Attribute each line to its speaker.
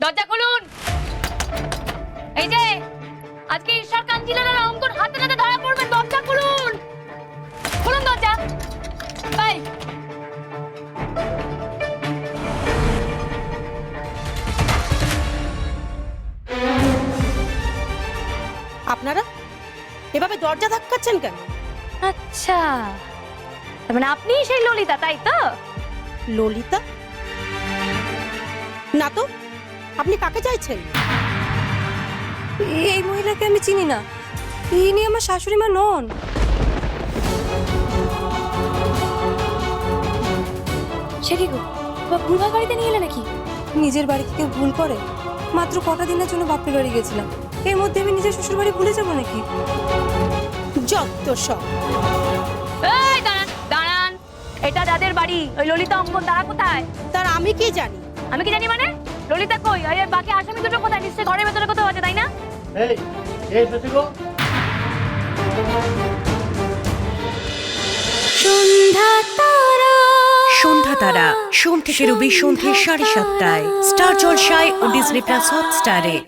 Speaker 1: দরজা খুলুন। এই যে আজকে ঈশ্বর কাঞ্জিলার অঙ্কন হাতে নাতে ধরা পড়বেন, দরজা খুলুন। খুলুন দরজা। বাই।
Speaker 2: আপনারা এভাবে দরজা ধাক্কাচ্ছেন কেন?
Speaker 1: আচ্ছা, তার মানে আপনি সেই ললিতা, তাই তো?
Speaker 2: ললিতা? না তো, আপনি কাকে চাইছেন?
Speaker 3: এই মহিলাকে আমি চিনি না, ইনি আমার শাশুড়ি মা নন।
Speaker 1: সে কি গো, ভুলভাল বাড়িতে নিয়ে এলে নাকি?
Speaker 3: নিজের বাড়িতে কেউ ভুল করে? মাত্র কটা দিনের জন্য বাপের বাড়ি গেছিলাম, এর মধ্যে আমি নিজের শ্বশুর বাড়ি ভুলে যাবো নাকি?
Speaker 2: যত সব।
Speaker 1: এই দাঁড়ান দাঁড়ান, এটা যাদের বাড়ি ওই ললিতা অঙ্কন, তারা কোথায়?
Speaker 2: তার আমি কি জানি?
Speaker 1: আমি কি জানি মানে? ললিতা কই? আর বাকি আসামি দুটো কোথায়? নিশ্চয়ই ঘরের ভেতরে কোথাও আছে, তাই না?
Speaker 4: এই এসেছি গো।
Speaker 5: সন্ধ্যা তারা সোম থেকে রবি সন্ধ্যে 7:30টায় স্টার জলসায় ও ডিজনি প্লাস হটস্টারে।